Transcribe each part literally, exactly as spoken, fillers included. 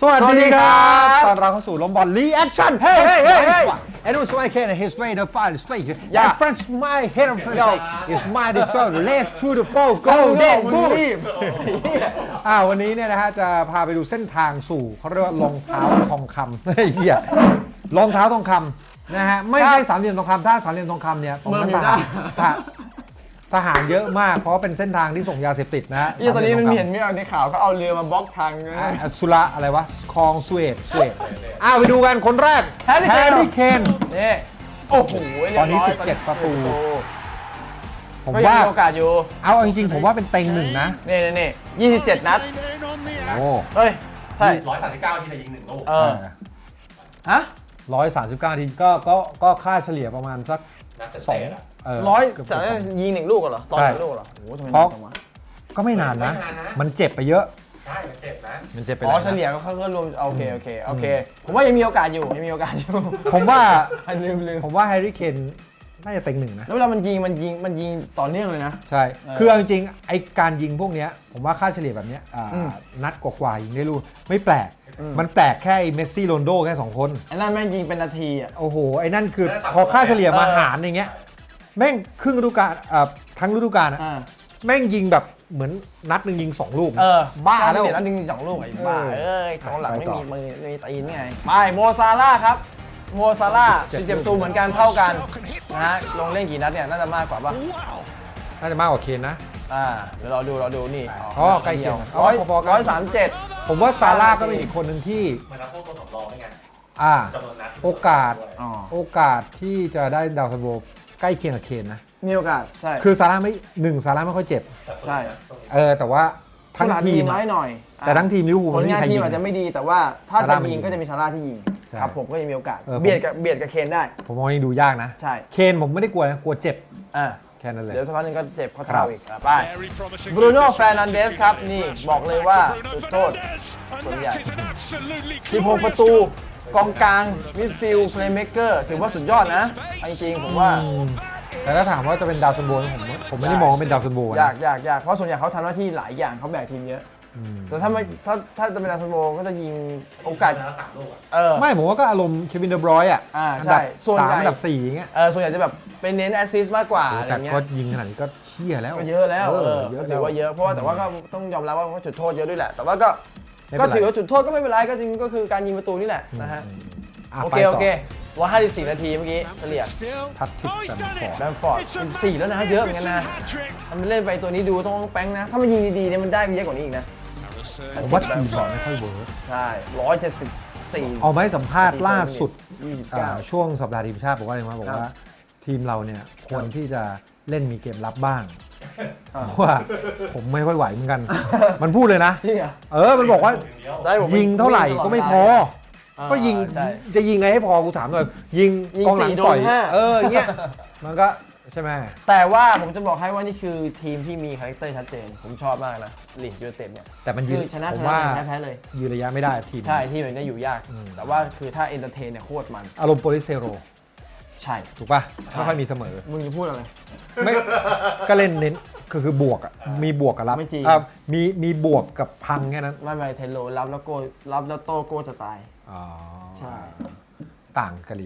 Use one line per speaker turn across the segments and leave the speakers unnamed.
สวัสดีครับตอนเราเข้าสู่ลมบอลรีแอคชั่นเฮ้ยเฮ้ยเฮ้ยเฮ้ย and also I can his way the fire straight yeah friends my head of friends is my desire let's to the ball go go go อ่าวันนี้เนี่ยนะฮะจะพาไปดูเส้นทางสู่เขาเรียกว่ารองเท้าทองคำเฮ้ยเหี้ยรองเท้าทองคำนะฮะไม่ใช่สามเหลี่ยมทองคำถ้าสามเหลี่ยมทองคำเนี่ยตรงนั้นทหารทหารเยอะมากเพราะเป็นเส้นทางที่ส่งยาเสพติดนะฮะ
นี่ตอนนี้มันเห็นไม่เอาในข่าวก็เอาเรือมาบล็อกทาง
สุระอะไรวะคลองสเวตสเวตอ้าวไปดูกันคนแรกแฮร์รี่เคน
นี่โอ้โห
ตอนนี้สิบเจ็ดประตูผมว่า
มีโอกาสอยู่
เอาจริงๆผมว่าเป็นเต็งหนึ่งนะ
นี่นี่นี่ยี่สิบเจ็ดนัด
โอ้
เฮ้ยใช่
ร้อยสามสิบเก้าทีจะยิงหนึ่งลูก
เออฮะ
ร้อยสามสิบเก้าทีก็ก็ก็ค่าเฉลี่ยประมาณสักสอง
ร้อยจะยิงหนึ่งลูกเหรอตอนหนึ่งลูกเหรอโอ้โหทำไมนานจังวะ
ก็ไม่นานนะมันเจ็บไปเยอะ
ใช่มันเจ็บนะ
มันเจ็บไป
อ๋อเฉลี่ยก็เขาก็รวมโอเคโอเคโอเคผมว่ายังมีโอกาสอยู่ยังมีโอกาสอยู่
ผมว่า
ลืมลืม
ผมว่าแฮร์รี่เคนน่าจะเต็งหนึ่งนะ
แล้วเวลามันยิงมันยิงมันยิงต่อเนื่องเลยนะ
ใช่คือจริงๆไอการยิงพวกนี้ผมว่าค่าเฉลี่ยแบบนี้นัดกว่าๆยิงได้รู้ไม่แปลกมันแปลกแค่เมสซี่โรนโดแค่สองคน
ไอ้นั่นแม่งยิงเป็นนาทีอ่ะ
โอ้โหไอ้นั่นคือพอค่าเฉลี่ยมาหารอย่างเงี้ยแม่งครึ่งฤดูกาลทั้งฤดูกาลอะแม่งยิงแบบเหมือนนัดหนึ่งยิงสองลูก
เออ
บ้า
แล้วนัดหนึ่งยิงสองลูกไอ้บ้าเอ้ยกองหลังไม่มีมือไม่มีตีนไงไปโมซาร่าครับโมซาร่าสิบเจ็ดประตูเหมือนกันเท่ากันนะลงเล่นกี่นัดเนี่ยน่าจะมากกว่าป่ะ
น่าจะมากกว่าเคนนะ
อ่าเดี๋ยวเราดูเราดูนี่
อ๋อใกล้เคียง
ร้อยร้อยสามเจ็ด
ผมว่าซาร่าก็เป็นอีกคนหนึ่งที่
มันรับพวกตัวสำรองได้ไง
อ่าโอกาสโอกาสที่จะได้ดาวซันโวใกล้เคียงกับเคนนะ
มีโอกาสใช่
คือซาร่าไม่หนึ่งซาร่าไม่ค่อยเจ็บ
ใช่
เออแต่ว่าทั้งทีม
น้อยหน่อย
แต่ทั้งทีมลิเวอร์พูล
ผลงานทีมอาจจะไม่ดีแต่ว่าถ้าจะยิงก็จะมีซาร่าที่ยิงครับผมก็จะมีโอกาสเบียดกับเบียดกับเคนได้
ผมมองยังดูยากนะ
ใช่
เคนผมไม่ได้กลัวนะกลัวเจ็บ
อ่า
แค่นั้นเลย
เดี๋ยวสักพักนึงก็เจ็บข้อเท้าอีกไปบรูโน่แฟร์นันเดสครับนี่บอกเลยว่าจุดโทษส่วนใหญ่สิบหกประตูกองกลางมิดฟิลด์เพลย์เมคเกอร์ถือว่าสุดยอดนะจริงๆผมว่า
แต่ถ้าถามว่าจะเป็นดาวซันโวผมผมไม่ได้มองว่าเป็นดาวซันโวย
ากยากยากเพราะส่วนใหญ่เขาทำหน้าที่หลายอย่างเขาแบกทีมเยอะแต่ถ้าไม่ถ้าถ้าจะเป็นดาวซันโวก็จะยิงโอกาส
เออไม่ผมว่าก็อารมณ์เควินเดอบรอยน์อ่ะ
อ่าใช่
ส่วนใหญ่อันดับสี่อย่างเงี้ย
เออส่วนใหญ่จะแบบเป็นเน้นแอสซิสต์มากกว่าอะไรเงี้ย
ก็ยิงขนาดนี้ก็เชี่ยแล้ว
ก็เยอะแล้วเออถือว่าเยอะเพราะว่าแต่ว่าก็ต้องยอมรับว่าเขาจุดโทษเยอะด้วยแหละแต่ว่าก็ก็ถือว่าจุดโทษก็ไม่เป็นไรก็จริงก็คือการยิงประตูนี่แหละนะฮะโอเคโอเคร้อยห้าสิบสี่นาทีเมื่อกี้เฉลี่ย
ทัดทิปแบมฟอร์ด
แบมฟอร์ดสิบสี่แล้วนะเยอะเหมือนกันนะทำเล่นไปตัวนี้ดูต้องแป้งนะถ้ามันยิงดีๆเนี่ยมันได้เยอะกว่านี้อีกนะ
ผมว่าทีมบอลไม่ค่อยเวิร์ก
ใช่ร้อยเจ็ดสิบสี่
เอาไหมสัมภาษณ์ล่าสุดช่วงสัปดาห์ทีมชาติบอกว่าอะไรมาบอกว่าทีมเราเนี่ยควรที่จะเล่นมีเกมรับบ้างเพราะว่าผมไม่ค่อยไหวเหมือนกันมันพูดเลยนะเออมันบอกว่ายิงเท่าไหร่ก็ไม่พอก็ยิงจะยิงไงให้พอกูถามหน่อยยิงกองหลังต่อยเออเงี้ยมันก็ใช่ไหม
แต่ว่าผมจะบอกให้ว่านี่คือทีมที่มีคาแรคเตอร์ชัดเจนผมชอบมากนะลีดยูไนเต็ดเนี่ย
แต่มันยืน
ชนะชนะแพ้เลย
ยืนระยะไม่ได้ทีม
ใช่ที่มันก็อยู่ยากแต่ว่าคือถ้าเอนเตอร์เทนเนี่ยโคตรมัน
อารมณ์โปลิสเทโร
ใช่
ถูกป่ะไม่ค่อยมีเสมอ
มึงจะพูดอะไร
ไม่ก็เล่นเน้นคือคือบวกอ่ะมีบวกกับรับ
ไม่จริง
มีมีบวกกับพังแค่นั้น
ไม่ไม่เทโลรับแล้วโก้รับแล้วโต้โก้จะตาย
อ๋อ
ใช่
ต่างกันลี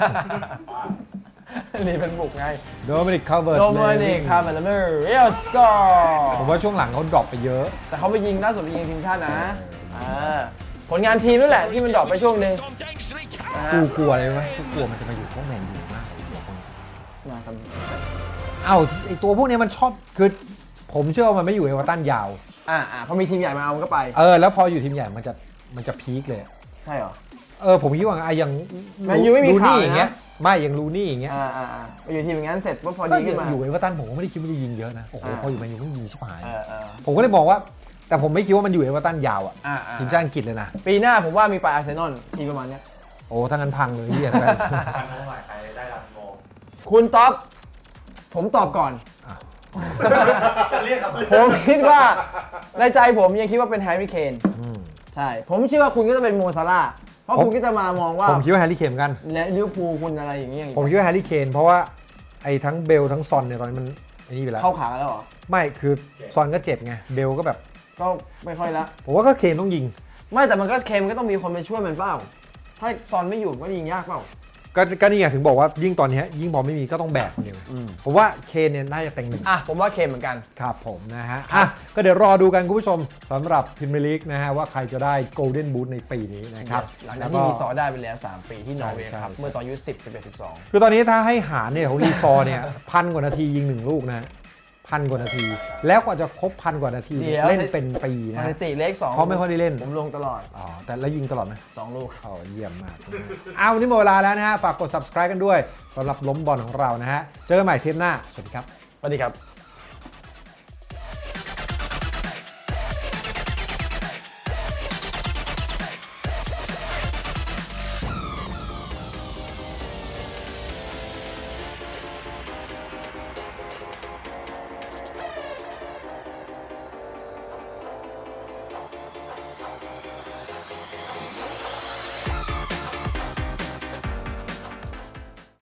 นี่เป็นบุกไง
โดมินิกคาร์เวอร์
โดมินิกคาร์เวอร์เลเมอร์เอลซอ
ผมว่าช่วงหลังเขาดรอปไปเยอะ
แต่เขาไปยิงล่าสุดไปยิงทีมชาตินะผลงานทีมนั่นแหละที่มันดรอปไปช่วงนึง
กูกลัวอะไรไหมกูกลัวมันจะมาอยู่พวกแมนยูมาก
มาท
ำเอ้าไอตัวพวกนี้มันชอบคือผมเชื่อว่ามันไม่อยู่เอเวอร์ตันยาว
อ่าอ่าพอมีทีมใหญ่มาเอามันก็ไป
เออแล้วพออยู่ทีมใหญ่มันจะมันจะพีคเลย
ใช่เหรอ
เออผมคิดว่าไอ้อย่าง
แมนยูไม่มีข่าว
อย่างเงี้ยไม่อย่างลูนี่อย่างเงี้ย
อ่าอ่าอ่าไปอยู่ทีมอย่างนั้นเสร็จว่าพอดีขึ้นมา
อยู่เอเวอร์ตันผมก็ไม่ได้คิดว่าจะยิงเยอะนะโอ้โหพออยู่แมนยูก็ยิงชิบหาย
เออเออ
ผมก็เลยมองว่าแต่ผมไม่คิดว่ามันอยู่เอเวอร์ตันยาวอ่ะทีมชาติอังกฤษเลยนะ
ปีหน้าผมว่ามีไปอาร์เซนอลทีมประมาณเนี้ย
โอ้ถ้างั้นพังเลยที่
อะไรพังเท่าไหร่ใครได้รับโม
คุณต๊อบผมตอบก่อนผมคิดว่าในใจผมยังคิดว่าเป็นแฮร์รี่เคนใช่ผมเชื่อว่าคุณก็จะเป็นโมซาร่าเพราะคุณก็จะมามองว่า
ผมคิดว่าแฮร์รี่เคนกัน
และลิเวอร์พูลคุณอะไรอย่างเงี้ย
ผมคิดว่าแฮร์รี่เคนเพราะว่าไอ้ทั้งเบลทั้งซอนเนี่ยตอนนี้มันไอ้นี่ไปแล้ว
เข้าขาแล้วเหรอ
ไม่คือซอนก็เจ็บไงเบลก็แบบ
ก็ไม่ค่อยละ
ผมว่าก็เคนต้องยิง
ไม่แต่มันก็เคนมันก็ต้องมีคนไปช่วยมันเปล่าถ้าซอนไม่อยู่ก็ยิงยากเปล่า
ก็ก็นี่ไงถึงบอกว่ายิ่งตอนนี้ยิ่งบอลไม่มีก็ต้องแบกคนเดียวผมว่าเคนเนี่ยน่าจะเต็งหนึ่ง
อ่ะผมว่าเคนเหมือนกัน
ครับผมนะฮะอ่ะก็เดี๋ยวรอดูกันคุณผู้ชมสำหรับพรีเมียร์ลีกนะฮะว่าใครจะได้โกลเด้นบูทในปีนี้นะครับ
Yes หลังจากที่รีซอร์ได้ไปแล้วสามปีที่นอร์เวย์
ใช่
ครับ
ใช่
เมื่อตอนอายุสิบ สิบเอ็ด สิบสอง
คือตอนนี้ถ้าให้หารเนี่ยของรีซอร์เนี่ย พันกว่านาทียิงหนึ่งลูกนะพันกว่านาที แล้วกว่าจะครบพันกว่านาที
เดี๋ยว
เล่นเป็นปี
ส
นะ
ถิติเลขสอง
เขาไม่ค่อยได้เล่น
ผมลงตลอด
อ๋อแต่แล้วยิงตลอดไหม
สองลูก
อ๋อเยี่ยมมากเอาวันนี้หมดเวลาแล้วนะฮะฝากกด subscribe กันด้วยสำหรับล้มบอลของเรานะฮะเจอกันใหม่เทปหน้าสวัสดีครับ
สวัสดีครับ